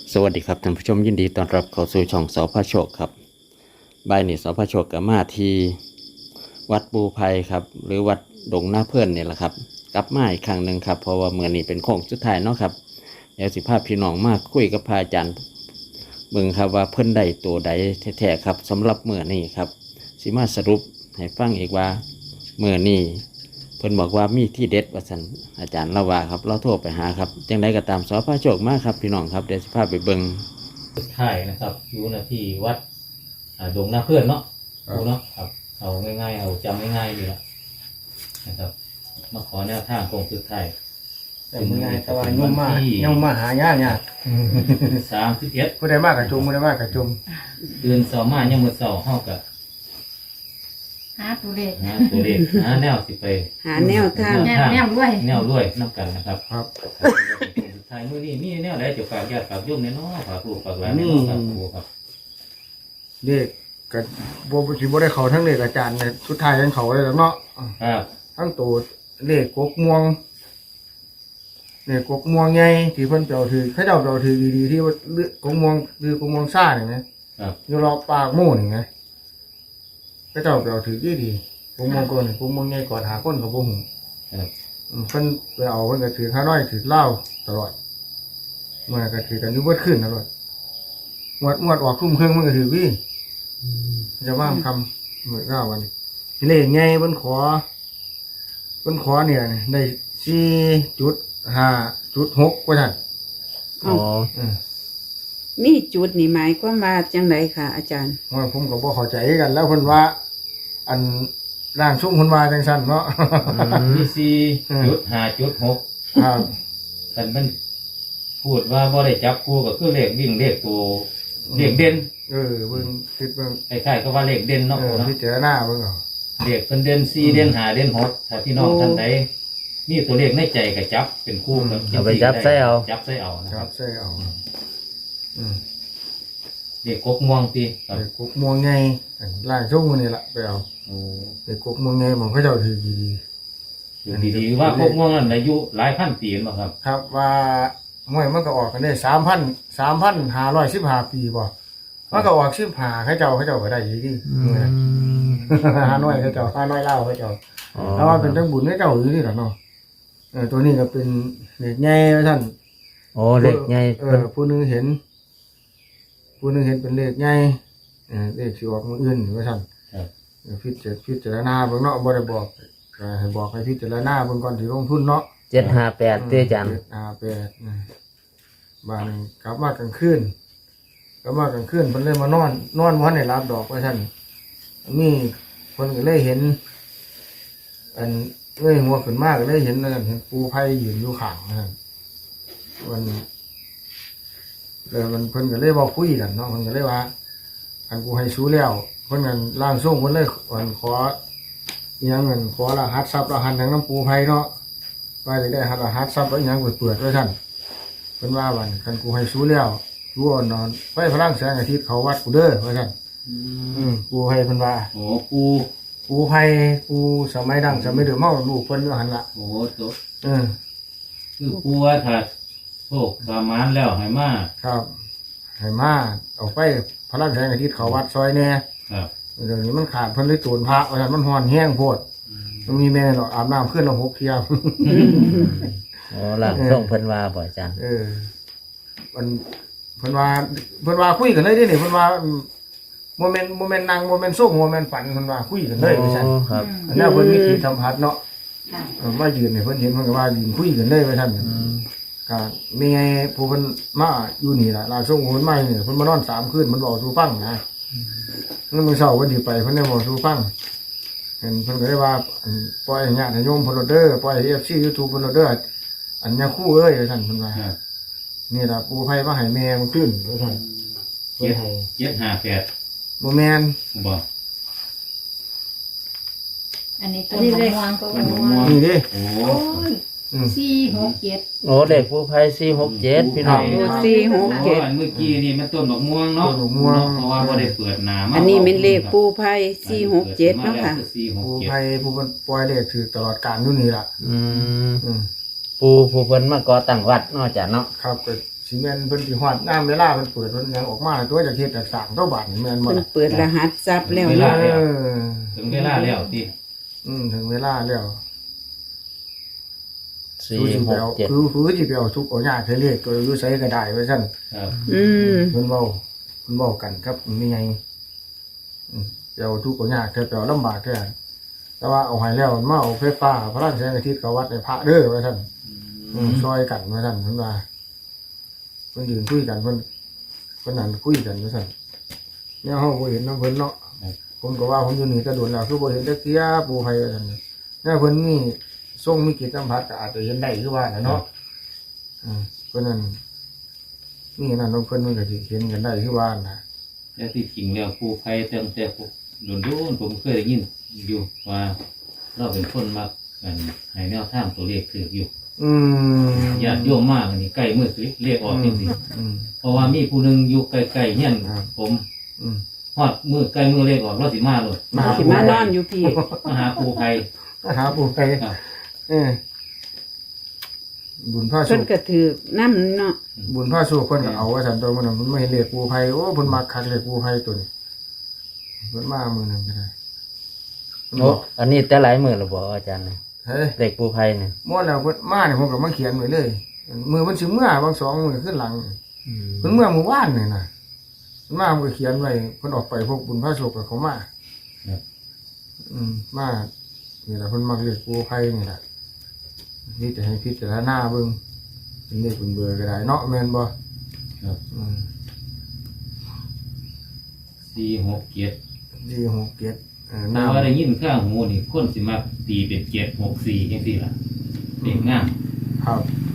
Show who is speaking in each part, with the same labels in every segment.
Speaker 1: สวัสดีครับท่านผู้ชมยินดีต้อนรับเข้าสู่ช่องสพโชคครับบ่ายนี้สพโชคกับมาที่วัดปูไพครับหรือวัดดงหน้าเพื่อนนี่แหละครับกลับมาอีกครั้งหนึ่งครับเพราะว่าเมื่อนี้เป็นโค้งสุดท้ายเนาะครับเดี๋ยวสิภาพพี่น้องมากคุยกับพระอาจารย์เบิ่งครับว่าเพิ่นได้ตัวใดแท้ๆครับสำหรับเมื่อนี้ครับสิมาสรุปให้ฟังอีกว่าเมื่อนี้เพิ่นบอกว่ามีที่เด็ดว่าซั่นอาจารย์เล่าว่าครับเราโทรไปหาครับจังไดก็ตามสพโชคมาครับพี่น้องครับเดี๋ยวสิพาไปเบิ่ง
Speaker 2: ถ่ายนะครับอยู่นะที่วัดดงหน้าเพื่อนเนาะดูเนาะครับเอาง่ายๆเอาจำง่ายๆดีละนะครับมาขอแนวทางโครงสุดท้าย
Speaker 3: แต่เมื่อไงแต่ว่าย่อมมาหายากเนี่ย
Speaker 2: 31
Speaker 3: ผู้ใดมากกับจุมผู้ใดมากกับจุม
Speaker 2: เดือนสองมายังมือสองเข้ากับ
Speaker 4: หาตัวเลข
Speaker 2: ตัวเลขหาแนวสิไป
Speaker 5: หาแนวทาง
Speaker 4: แนวด้วย
Speaker 2: แนวรวยน้ำกันนะครับ
Speaker 3: ครับ
Speaker 2: สุดท้ายมื้อนี้มีแนวไหนจะฝากญาติฝากโยมแน่นอนฝากลูกฝากหลานแน่นอนครับครูครับ
Speaker 3: เด็กกับโบชิโบได้เขาทั้งเด็กอาจารย์เนี่ยสุดท้ายทั้งเขาเลยแล้วเนาะ
Speaker 2: ครับ
Speaker 3: ทั้งตัวเลขกกม่วงเลขกกม่วงไงที่เพิ่นเปล่าถือเขาเจ้าเปล่าถือดีๆที่ว่ากกม่วงคือกกม่วงซ่าเนี่ยนะครับ อยู่รอบปากหมู่นี่ไงเขาเจ้าเปล่าถือดีๆกกม่วงก่อนกกม่วงไงก่อนหาคนกับบ่หู
Speaker 2: ครับ
Speaker 3: เพิ่นไปเอาเพิ่นก็ถือข้าน้อยถือเหล้าตลอดเมื่อก็ถือกันอยู่เบิดขึ้นตลอดงวดออกคุ้มเครื่องมันก็ถือวิ่งจะว่างคำเหมือนเล่าวันนี้เลขไงเพิ่นขอเนี่ยได้4.5.6ว่าท่าน
Speaker 5: อ๋อ
Speaker 3: อืม
Speaker 5: มีจุดนี่หมายความว่าจังไดค่ะ อาจารย์
Speaker 3: ว่าผมก็บ่เข้าใจกันแล้วเพิ่นว่า อันร่างทรงเพิ่นว่าจังซั่นเนาะ
Speaker 2: มี4.5.6
Speaker 3: ครับ
Speaker 2: แต่มันพูดว่าบ่ได้จับคู่ก็คือเลขวิ่งเลขตัวเลขเด่น
Speaker 3: เบิ่งคิดเบิ่ง
Speaker 2: คล้ายๆก็ว่าเลขเด่นเนาะเนาะ
Speaker 3: พิจารณาเบิ่งเอา
Speaker 2: เลขเพิ่นเด่น4เด่น5เด่น6ถ้าพี่น้องท่านใดมีตัวเลขในใจก็จับเป็นคู่กับ
Speaker 1: เอาไปจับใส่เอา
Speaker 2: จับใส่เอานะ
Speaker 3: ค
Speaker 2: ค
Speaker 3: รั
Speaker 2: รั
Speaker 3: บบ ใช่เอาอืม
Speaker 2: เลขกกม่วงติครับ
Speaker 3: ไอ้กุกม่วงไงร่างทรงมันนี่ละไปเอา
Speaker 2: โอ้
Speaker 3: ไอ้กุกม่วงไงผมเขาเจ้าถือดี
Speaker 2: ดูดีๆว่ากกม่วงนั้นอายุหลายพันปีแล้วครับ
Speaker 3: ๆครับว่ามวยมันก็ออกกันได้3,515 ปีบ่มันก็ออก15เขาเจ้าก็ได้ดีดีหาน้อยเขาเจ้าหาน้อยเล่าเขาเจ้าแล้วว่าเป็นจังบุญเขาเจ้าอยู่นี่ล่ะเนาะตัวนี้ก็เป็นเด็กใหญ่ว่าซั่น
Speaker 1: โอ้เล็กไง
Speaker 3: ผู้หนึงเห็นเป็นเลขใหญ่เลขสิออกมื้ออื่นว่าซั่น
Speaker 2: ครับ
Speaker 3: พิจารณาเบิ่งเนาะบ่ได้บอกก็ให้บอกให้พิจารณาเบิ่งก่อนสิลงทุนเนาะ
Speaker 1: 758เต้อาจารย์
Speaker 3: 758บ้านนี้กลับมากลางคืนเพิ่นเลยมานอนบ่ทันได้รับดอกว่าซั่นมีเพิ่นก็เลยเห็น อันเอ้ยหัวขึ้นมาก็เลยเห็นนั่นเห็นปูไผยืนอยู่ข้างนั่นมันแล้วมันเพิ่นก็เลยเว้าคุยกันเนาะเพิ่นก็เลยว่าอันกูให้สู้แล้วเพิ่นกันร่างทรงเพิ่นเลยอันขออิหยังเงินขอรหัสทรัพย์รหัสทางน้ำปูไผเนาะว่าจะได้รหัสทรัพย์แล้วอิหยังเปิดไว้ซั่นเพิ่นว่าบัดคันกูให้สู้แล้วกูเอานอนไปพลังแสงอาทิตย์เขาวัดกูเด้อว่าซั่นกูให้เพิ่นว่า
Speaker 2: โอ้กู
Speaker 3: ปูไผกูสมัยดังสมัยเดิมเมาลูกเพิ่นอยู่หั่นล่ะ
Speaker 2: โอ้ตัว
Speaker 3: เออ
Speaker 2: คือกูว่าถ้าโชคสามานแล้วให้มา
Speaker 3: ครับให้มาเอาไปพลังแสงอาทิตย์เขาวัดซอยแน่
Speaker 2: ครับ
Speaker 3: เดี๋ยวนี้มันขาดเพิ่นเลยตูนพระว่าซั่นมันฮ้อนแห้งโพดมันมีแม่ดอกอาบน้ำขึ้นละ6เที่ยว
Speaker 1: โอ้หลังส่งเพิ่นว่าบ่อาจารย์
Speaker 3: มันเพิ่นว่าคุยกันเลยเด้นี่เพิ่นว่าโมเมนต์นั่งโมเมนต์ส่งโมเมนต์ฝันเพิ่นว่าคุยกันเลยว่าซั่น
Speaker 1: ครับ
Speaker 3: อันนั้นเพิ่นมีที่สัมผัสเนาะ
Speaker 4: ค่ะ
Speaker 3: มายืนนี่เพิ่นเห็นเพิ่นก็ว่ายืนคุยกันเลยว่าซั่นก็มีไงผู้เพิ่นมาอยู่นี่ล่ะลาส่งเพิ่นมานี่เพิ่นมานอน3คืนเพิ่นบอกสู่ฟังนะแล้วมื้อเช้าเพิ่นสิไปเพิ่นได้บอกสู่ฟังเห็นเพิ่นก็ได้ว่าปล่อยให้ญาติโยมเพิ่นโลดเด้อปล่อยให้ FC YouTube เพิ่นโลดเด้ออันยาคู่เอ้ยว่าซั่นเพิ่นว่า
Speaker 2: ครับ
Speaker 3: นี่ล่ะปูไผมาให้แม่มันขึ้นว่าซั่นเพิ่นให้
Speaker 2: 758
Speaker 3: บ่แม่น
Speaker 2: บ่
Speaker 4: อันนี้ตัวเลขตัวม่วง
Speaker 3: นี่เด้
Speaker 2: โอ้
Speaker 4: โอ้ย467
Speaker 1: โอ้เล็กผู้ภัย467พี่น้อง
Speaker 5: โอ้
Speaker 2: อันเมื่อกี้นี่มันต้นดอกม่วงเนาะเพราะว่าบ่ได้เปิดหน้ามา
Speaker 5: อันนี้เป็นเลขปูไพ่467เนาะค่ะ
Speaker 3: ปูไผผู้เพิ่นปล่อยเลขถือตลอดกาลอยู่นี่ล่ะ
Speaker 1: อืม
Speaker 3: อืม
Speaker 1: ปูผู้เพิ่นมาก่อตั้งวัดเนาะอาจารย์เนาะ
Speaker 3: ครับก็สิแม่นเพิ่นสิฮอดน้ำเวลาเพิ่นเปิดเพิ่นหยังออกมาตัวจากเฮ็ดจากสร้างตัวบ้านนี่แม่นบ่
Speaker 5: เพิ่น
Speaker 3: ล่ะ
Speaker 5: เปิดรหัสทรัพย์แล้ว
Speaker 2: เวลา
Speaker 5: เนาะ
Speaker 2: แล้ว
Speaker 3: อ
Speaker 2: ถึงเวลาแล้วที่
Speaker 3: ถึงเวลาแล้ว
Speaker 1: สี่
Speaker 3: คือสิ
Speaker 1: ห
Speaker 3: ไป
Speaker 1: ก
Speaker 3: เอา
Speaker 1: เจ็ด
Speaker 3: คือสิไปเอาทุกเอายากให้เลขตัวอยู่ไสก็ได้ว่าซั่น
Speaker 2: ครับ
Speaker 5: อืม
Speaker 3: เพิ่นเว้ากันครับมีไงไปเอาทุกเอายากแต่ไปเอาลำบากแท้แต่ว่าเอาให้แล้วมาเอาไฟฟ้าพลังแสงอาทิตย์กับวัดในพระเด้อว่าซั่นซอยกันว่าซั่นเพิ่นว่าเพิ่นยืนคุยกันเพิ่นนั่นคุยกันว่าซั่นแนวเฮาบ่เห็นนำเพิ่นเนาะผมก็ว่าผมอยู่นี่ก็โดนแล้วคือบ่เห็นจักเที่ยปู่ไผว่าซั่นแนวเพิ่นมีทรงมีกิจสัมผัสก็อาจจะเห็นได้คือว่าน่ะเนาะเพิ่นนั่นนี่นั่นของเพิ่นมันก็สิเห็นกันได้คือว่าน่ะ
Speaker 2: แต่ที่จริงแล้วครูไพ่เติมแต่โดนผมเคยได้ยินอยู่ว่าเราเป็นคนมักกันให้แนวทางตัวเลขถืออยู่ ญาติโยมมากอันนี้ใกล้มือสิเรียกออกจริงๆเพราะว่ามีผู้หนึงอยู่ใกล้ๆเนี่ยผมฮอดมือใกล้มือเรียกออกเราสิมาเลย
Speaker 5: สิมานอนอยู่พี่
Speaker 2: มาหาครูไพ่
Speaker 3: หาปู่ไผ
Speaker 2: ครับ
Speaker 3: บุญพระสุ
Speaker 5: เพิ่น
Speaker 3: ข
Speaker 5: ก็ถือน้ำเนาะ
Speaker 3: บุญพระสุขเพิ่นก็เอาว่าซั่นตัวมันน่ะมันไม่เห็นเลขปู่ไผโอ้เพิ่นมักคักเลขปู่ไผตัวนี้เพิ่นมามื้อนั้นก็ได้
Speaker 1: โอ้อันนี้แต่หลายมือหรือบ่อาจารย์เนี่ย
Speaker 3: เฮ้ย
Speaker 1: เด็กปูไพ่เนี่ย
Speaker 3: หมดแล้วเพิ่นมาเนี่ยผมก็มาเขียนไว้เลยมือมันสิเมื่อบางสองมือขึ้นหลังเพิ่นเมื่อมื้อวานนี่น่ะเพิ่นมาผมก็เขียนไว้เพิ่นออกไปพวกบุญพระสุขก็เขามามานี่ล่ะเพิ่นมักเลขปู่ไผนี่ล่ะนี่จะให้พิจารณาเบิ่งเป็นเลขเป็นเบอร์ก็ได้เนาะแม่นบ่
Speaker 2: ครับ 467
Speaker 3: ดีหกเจ็ด
Speaker 2: แต่ว่าได้ยินข้างหูนี่คนสิมาตีเป็น764จังซี่ล่ะเด็กงาม
Speaker 3: ครับ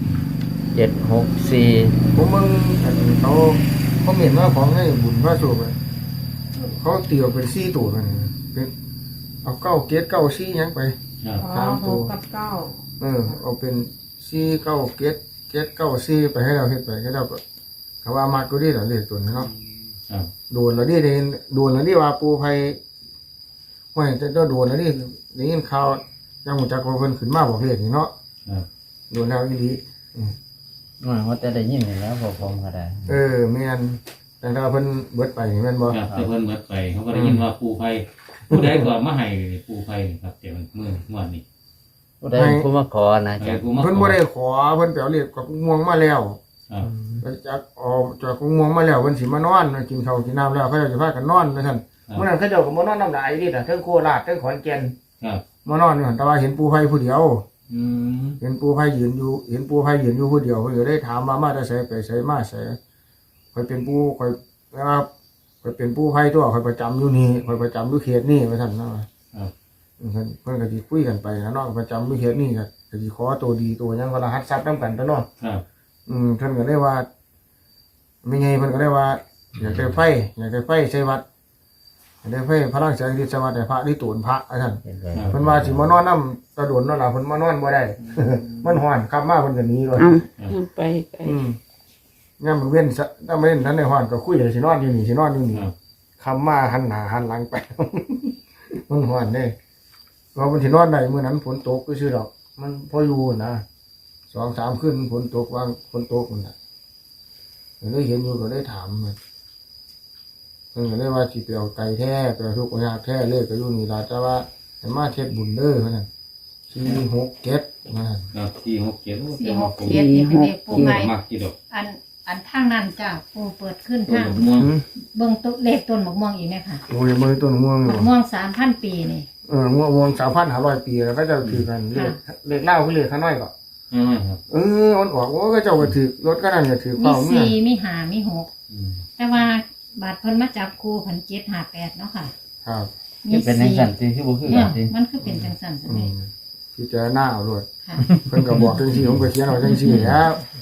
Speaker 1: 764
Speaker 3: ผมมึงอันเขาเห็นว่าของให้บุญพระสุขเขาตีออกเป็นซี่ตัวกันเป็นเอาเก้าเกตเก้าซี่ยังไป
Speaker 2: ครับ
Speaker 4: อ๋อหกกับเก้า
Speaker 3: เอาเป็นซี่เก้าเกตเก้าซี่ไปให้เราเฮ็ดไปให้เราก็เขาว่ามากก็ดีหรอเรียกตัวนี้เนาะ
Speaker 2: ครับ
Speaker 3: โดนแล้วดิโดนแล้วดิว่าปูไผไม่จะโดนแล้วดิได้ยินข่าวยังหูจักว่าเพิ่นขึ้นมาบอกเรียกนี่เนาะ
Speaker 2: ครับ
Speaker 3: โดนแล้วอีหลี
Speaker 1: ว่าแต่ได้ยินนี่แล้วพอผมก็ได้
Speaker 3: แม่นแต่ถ้าเพิ่นเบิดไปนี่แม่นบ่
Speaker 2: ครับแต่เพิ่นเบิดไปเขาก็ได้ยินว่าปูไพ่ผู้ใดก็มาให้ปูไพ่นี่ครับแต่มันมื้องวดนี้
Speaker 1: ผู้ใดผู้มาขอนะอาจารย์
Speaker 2: ผู้มา
Speaker 3: เพิ่นบ่ได้ขอเพิ่นไปเอาเรียกกับม่วงมาแล้ว
Speaker 2: ครับ
Speaker 3: จากออกจากม่วงมาแล้วเพิ่นสิมานอนกินข้าวกินน้ำแล้วเขาจะพากันนอนว่าซั่นมื้อนั้นเขาเจ้าก็บ่นอนน้ำหลายดิน่ะเทั้งโคราชเทั้งขอนแก่น
Speaker 2: ครับ
Speaker 3: มานอนอยู่หั่นแต่ว่าเห็นปูไผผู้เดียว
Speaker 2: อืม
Speaker 3: เห็นปูไผยืนอยู่ผู้เดียวเพิ่นก็ได้ถามมาแต่ไสไปไสมาไสข่อยเป็นปูข่อยนะครับข่อยเป็นปูไผตัวข่อยประจำอยู่นี่ข่อยประจำอยู่เขตนี่ว่าซั่นนะครับ เพิ่นก็สิคุยกันไปนะเนาะประจำอยู่เขตนี่ก็สิขอตัวดีตัวหยังก็รหัสทรัพย์นำกันตัวเนาะ
Speaker 2: ครับ
Speaker 3: เพิ่นก็ได้ว่าไม่ไงเพิ่นก็ได้ว่าอยากได้ไฟใช้วัดอยากได้ไฟพลังแสงที่สวัสดิ์ให้พระที่ตูนพระว่าซั่น
Speaker 1: เห็นไหม
Speaker 3: เพิ่นว่าสิมานอนนำตะโดนเนาะล่ะเพิ่นมานอนบ่ได้ มันฮ้อนกลับมาเพิ่นก็หนีเลย
Speaker 5: เอาไปไป
Speaker 3: ยามมันเว้นซะถ้ามันเว้นนั้นในฮ้อนก็คุยสินอนอยู่นี่
Speaker 2: ครับ
Speaker 3: คำมาหันหน้าหันหลังไป มันฮ้อนเด้ว่ามันสินอนได้มื้อนั้นฝนตกซื่อๆดอก มันพออยู่นะ2-3คืนฝนตกวางฝนตกนั่นน่ะก็เลยเห็นอยู่ก็เลยถามมันเพิ่นก็เลยว่าสิไปเอาไก่แท้ไปเอาทุกข์ยากแท้เลยก็อยู่นี่ล่ะแต่ว่าให้มาเฮ็ดบุญเด้อเพิ่นน่ะ467นะ
Speaker 2: ครับ467
Speaker 4: 467นี่เป็นเลขปูไผ่
Speaker 2: มักกี่ดอก
Speaker 4: อันทางนั้นจ้าปูเปิดขึ้น
Speaker 2: ต้น
Speaker 4: ทาง
Speaker 2: มะม่วง
Speaker 4: เบิ่งต้นเลขต้นมะม่วงอีกไหมค่ะ
Speaker 3: โอ้ยมือต้นม่วง
Speaker 4: มะม่วง3,000 ปีนี่
Speaker 3: ม่วง3,500 ปีแล้วก็จะถือกันเลขเล่าคือเลขข้าน้อยก็
Speaker 2: ครับ
Speaker 3: มันออกว่าก็เจ้าก็ถือรถก็นั่นก็ถือ
Speaker 4: มี
Speaker 3: เป้าเมื่อ
Speaker 4: 4มี5มี6แต่ว่าบาดเพิ่นมาจับครู758เนาะค่ะ
Speaker 3: ครับ
Speaker 4: มี
Speaker 1: เป็นในสันติที่บ่คือ
Speaker 4: เนี่
Speaker 1: กั
Speaker 4: ย
Speaker 1: นติ
Speaker 4: มันคือเป็นจังซั่นซั่นเด้
Speaker 3: พิจารณาเอาด้วย
Speaker 4: ค่ะ
Speaker 3: เพิ่นก็บอกจังซี่ผมก็เขียนเอาจังซี่แล้ว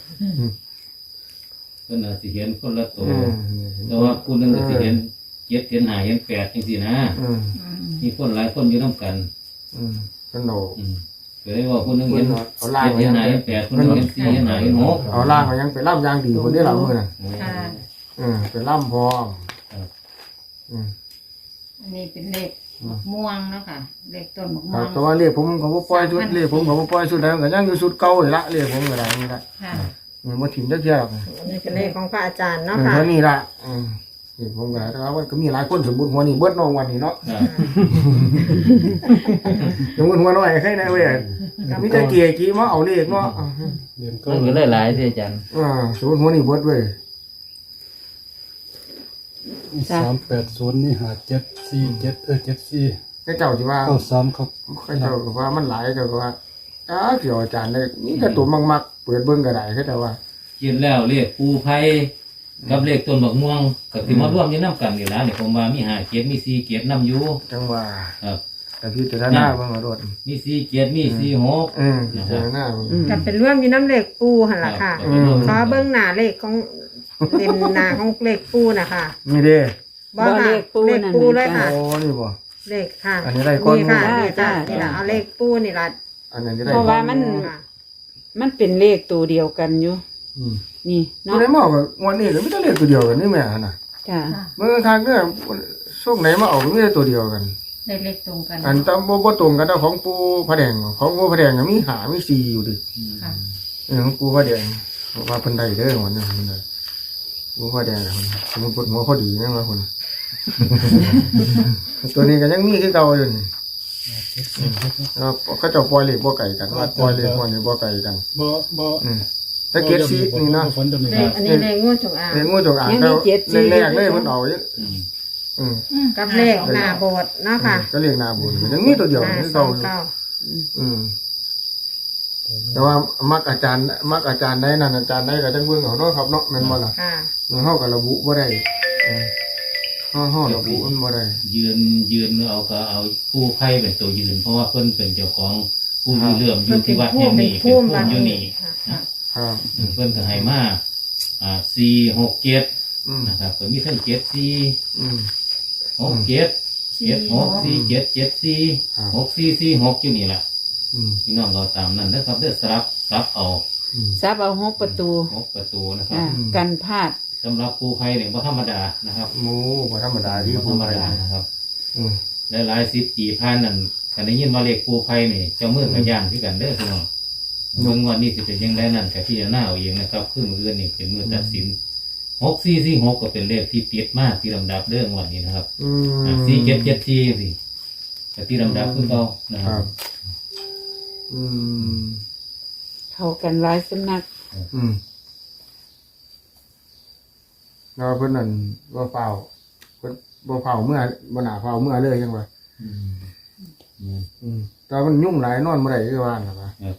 Speaker 2: เพิ่นอาจสิเห็นคนละตัวแต่ว่าผู้หนึงก็สิเห็น7เห็น5เห็น8จังซี่นะมีคนหลายคนอยู่นำกัน
Speaker 3: เพิ่นโน
Speaker 2: ก็เลยว่าผู้หนึงเห็น
Speaker 3: เอาล่าง
Speaker 2: 7เห็น5เห็น8ผู้หนึงเห็น4เห็น5เห็น6
Speaker 3: เอาล่างก็ยังไปล่ำยางดีคนนี้หลังมือน่ะ
Speaker 4: ค่ะ
Speaker 3: ไปล่ำพร้อม
Speaker 4: อันนี้เป็นเลขมะม่วงเนาะค่ะเลขต้นมะ
Speaker 3: ค
Speaker 4: ม่
Speaker 3: รั
Speaker 4: ว
Speaker 3: บ
Speaker 4: ง
Speaker 3: แต่ว่าเรียกผมเขาบ่ปล่อยชุดเรียกผมเขาบ่ปล่อยชุดแล้วก็ยังอยู่ชุดเก่านี่ละเรียกผมก็ได้นี่ละ
Speaker 4: ค่ะ
Speaker 3: บ่ถิ่มจักเที่ยหรอก
Speaker 6: อันนี้เป็นเลขของพระอาจารย์เนาะ
Speaker 3: เออ
Speaker 6: ค่ะ
Speaker 3: เท่านี้ล่ะนี่ผมก็แต่ว่ามันก็มีหลายคนสมมุติหัวนี่เบิดน้องวันนี้เนาะ
Speaker 2: ครับ
Speaker 3: สมมุติหัวน้อยใครได้เว้ยมีแต่เกียร์กี้มาเอาเลขเนาะ
Speaker 2: มันก็เลยหลายที่อาจารย์
Speaker 3: สมมุติหัวนี่เบิดเว้ย
Speaker 7: 380นี่574 74
Speaker 3: เจ้าสิว่า
Speaker 7: 93ครับ
Speaker 3: เจ้าก็ว่ามันหลายเจ้าก็ว่าเกี่ยวอาจารย์ได้นี่แต่ตัวมักๆเปิดเบิ่งก็ได้เขาแต่ว่า
Speaker 2: เขียนแล้วเลขปูไผ่กับเลขต้นบักม่วงก็สิมาร่วมอยู่นํกันนี่ล่ะนี่ผมว่ามี5เกียรติมี4เกียรตินํอยู่
Speaker 3: จังว่า
Speaker 2: ครับ
Speaker 3: แต่พิจารณาเบิ่งเอาโดด
Speaker 2: มี4เกียรติมี4 6
Speaker 3: พิจารณาเบิ่ง
Speaker 6: กับเป็นร่วมอยู่น้ำเลขปูหั่นล่ะค่ะ
Speaker 3: อืม
Speaker 6: ขอเบิ้งหน้าเลขของเต็มหน้าของเลขปูนะคะ
Speaker 3: นี่เด้
Speaker 6: บ่ค่ะเลขปูเลยค่ะ
Speaker 3: โอ้นี่บ่
Speaker 6: เลขค่ะ
Speaker 3: อันนี้ได้ก้อน
Speaker 6: นี่ค่ะ
Speaker 3: หมู่
Speaker 6: นี่จ้ะนี่ล่ะเอาเลขปูนี่ล่ะ
Speaker 3: อันนั้นจะได้
Speaker 5: เพราะว่ามัน
Speaker 6: ค่ะ
Speaker 5: มันเป็นเลขตัวเดียวกันอยู่
Speaker 3: อืม
Speaker 5: นี่
Speaker 3: ตัว
Speaker 5: เนาะ
Speaker 3: ไหนมาเอากับวันนี้ก็ไม่ต้องเรียกตัวเดียวกันนี่แม่น่ะ
Speaker 5: จ้ะ
Speaker 3: เมื่อครั้งเนี่ยช่วงไหนมาเอาก็ไม่ได้ตัวเดียวกัน
Speaker 4: เลขตรงกัน
Speaker 3: อันตามบ่ตรงกันแต่ของปูพระแดงของปูพระแดงมี5มี4อยู่ดิ
Speaker 4: ค่ะ
Speaker 3: ของปูพระแดงว่าเพิ่นได้เด้อวันนี้เพิ่นได้ปูพระแดงสมมุติเพิ่นหัวพอดีแม่นว่าเพิ่น ตัวนี้ก็ยังมีคือเก่าอยู่นี่แล้วเขาเจ้าปล่อยเลขบ่ไกลกันว่าปล่อยเลขพวกนี้บ่ไกลกัน
Speaker 7: บ่
Speaker 3: แต่เก็ดสีนี่เนาะ
Speaker 7: ฝันตัวนี้
Speaker 6: เลขอันนี้เลขงูจงอาง
Speaker 3: เลขงูจงอางแล้วแรกๆเลยเพิ่นเอาอยู่
Speaker 2: อืม
Speaker 6: กับเลขหน้าโบสถ์เนาะค่ะ
Speaker 3: ก็เรียกนาบุญยังมีตัวเดียวคือเก่าอยู่
Speaker 6: 529
Speaker 3: อืมแต่ว่ามักอาจารย์ได้นั่นอาจารย์ได้ก็จังเบิ่งเอาเนาะครับเนาะแม่นบ่ล่ะ
Speaker 6: ค่ะ
Speaker 3: เฮาก็ระบุบ่ได้เฮาระบุมันบ่ได้
Speaker 2: ยืนเอาก็เอาปูไผ่เป็นตัวยืน เพราะว่าเพิ่นเป็นเจ้าของผู้มีเรื่องอยู่ที่วัดแห่งนี้เป็นผู้อยู่นี่
Speaker 6: ค่ะ
Speaker 3: ครับ
Speaker 2: เพิ่นก็ให้มา4 6 7
Speaker 3: อืม
Speaker 2: นะครับก็มีทั้ง7 4
Speaker 3: อืม
Speaker 2: 6 7 7 6 4 7 7 4 6 4 4 6อยู่นี่แหละ
Speaker 3: อืม
Speaker 2: พี่น้องเราตามนั้นนะครับเด้อสลับเอา
Speaker 3: อืม
Speaker 5: ซับเอา6ประตู
Speaker 2: 6ประตูนะครับ
Speaker 5: อ่ากันพลาด
Speaker 2: สำหรับปูไผ่เนี่ยบ่ธรรมดานะครับ
Speaker 3: หมูบ่ธรรมดาที่
Speaker 2: บ่ธ
Speaker 3: ผู้
Speaker 2: รรม
Speaker 3: ใด
Speaker 2: ดานะครับ
Speaker 3: อืม
Speaker 2: หลายๆ10 ปีผ่านนั่นคันได้ยินว่าเลขปูไผ่นี่เจ้ามือกับย่านคือกันเด้อพี่น้องเบิ่งว่านี่สิเป็นจังไดนั่นก็พิจารณาเอาเองนะครับคือมื้ออื่นนี่เป็นมื้อตัดสิน6 4 4 6ก็เป็นเลขที่ติดมากที่ลำดับเรื่องวันนี้นะครับ
Speaker 3: อืม
Speaker 2: 4 7 7 4สิก็ที่ลำดับคือเก่านะค
Speaker 3: ค
Speaker 2: รั
Speaker 3: รับ บ อืม
Speaker 5: เข้ากันหลายสำนัก
Speaker 3: อืมแล้วเพิ่นนั่นบ่เฝ้าเพิ่นบ่เฝ้าเมื่อบ่น่าเฝ้าเมื่อเลยจังว่า
Speaker 2: อืม
Speaker 3: อืมแต่มันยุ่งหลายนอนบ่ได้คือว่าน่ะว่า
Speaker 2: ครับ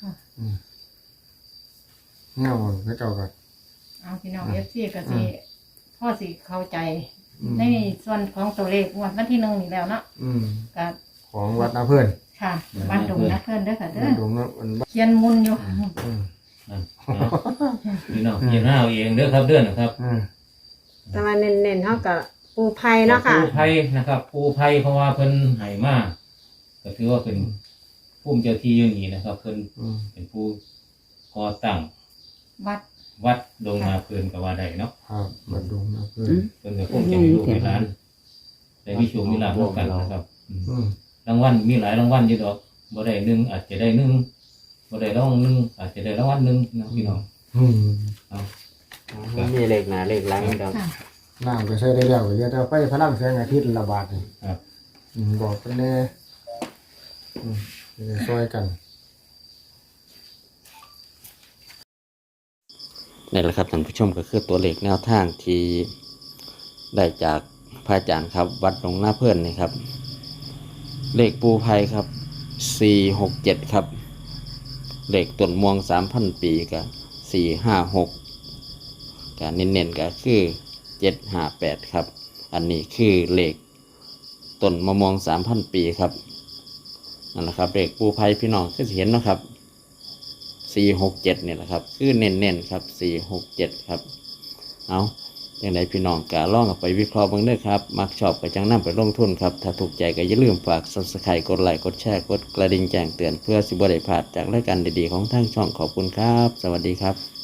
Speaker 3: เงี้ยมันเขาเจ้าก็
Speaker 4: เอาพี่น้องFC ก็สิพ่อสิเข้าใจ
Speaker 3: อืม
Speaker 4: ในส่วนของตัวเลขงวดวันที่1นี่แล้วเนาะ
Speaker 3: อืม
Speaker 4: ก็
Speaker 3: ของวัดนาเพิ่น
Speaker 4: ค่ะบ้านดงนะเพิ่นเด้อค่ะเด้อ
Speaker 3: ดงนั้นมัน
Speaker 4: เขียนมุนอยู่
Speaker 3: อืม
Speaker 2: นั่นเอาพี่น้องพิจารณาเอาเองเด้อครับเด้อนะครับ
Speaker 3: อืม
Speaker 6: แต่ว่าเน้นๆเฮากับปูไผ่เนาะค่ะ
Speaker 2: ปูไผ่นะครับปูไผ่เพราะว่าเพิ่นให้มาก็ถือว่าเป็นผู้เจ้าที่อยู่นี่นะครับ เพิ่น
Speaker 3: อืม
Speaker 2: เป็นผู้ก่อตั้ง
Speaker 4: วัด
Speaker 2: วัดดงนาเพิ่นก็ว่าได้เนาะ
Speaker 3: ครับวัดดงนาเพิ่น
Speaker 2: เพิ่นก็คงจะมีลูกมีหลานแต่มีโชคมีลาภร่วมกันนะครับ
Speaker 3: อืม
Speaker 2: รางวัลมีหลายรางวัลอยู่ดอกบ่ได้หนึ่งอาจจะได้หนึ่งบ่ได้รางวัลหนึ่งอาจจะได้รางวัลหนึ่งนะพี่น้อง
Speaker 3: อืม
Speaker 1: มีเลขหน้าเลขหลังดอก
Speaker 4: ค่ะ
Speaker 3: น้ำก็ใช้ได้แล้วก็เดี๋ยวจะไปพลังแสงอาทิตย์ละบาทนี่
Speaker 2: ครับ
Speaker 3: บอกเพิ่นแน่จะได้ช่วยกัน
Speaker 1: นี่แหละครับท่านผู้ชมก็คือตัวเลขแนวทางที่ได้จากพระอาจารย์ครับ วัดหลวงหน้าเพื่อนนี่ครับ เลขปูไพครับ467ครับเลขต้นม่วง 3,000 ปีกับ456กับเน้นๆก็คือ758ครับอันนี้คือเลขต้นมะม่วง 3,000 ปีครับนั่นแหละครับเลขปูไพพี่น้องคือสิเห็นเนาะครับ467เนี่ยแหละครับคือเน้นๆครับ467ครับเอาอย่างไรพี่น้องกะล่องเอาไปวิเคราะห์เบ้างเด้อครับมักชอบก็จังนำไปลงทุนครับถ้าถูกใจก็อย่าลืมฝาก Subscribe กดไลค์กดแชร์กดกระดิ่งแจ้งเตือนเพื่อสิบ่ได้พลาดจากรายการดีๆของทางช่องขอบคุณครับสวัสดีครับ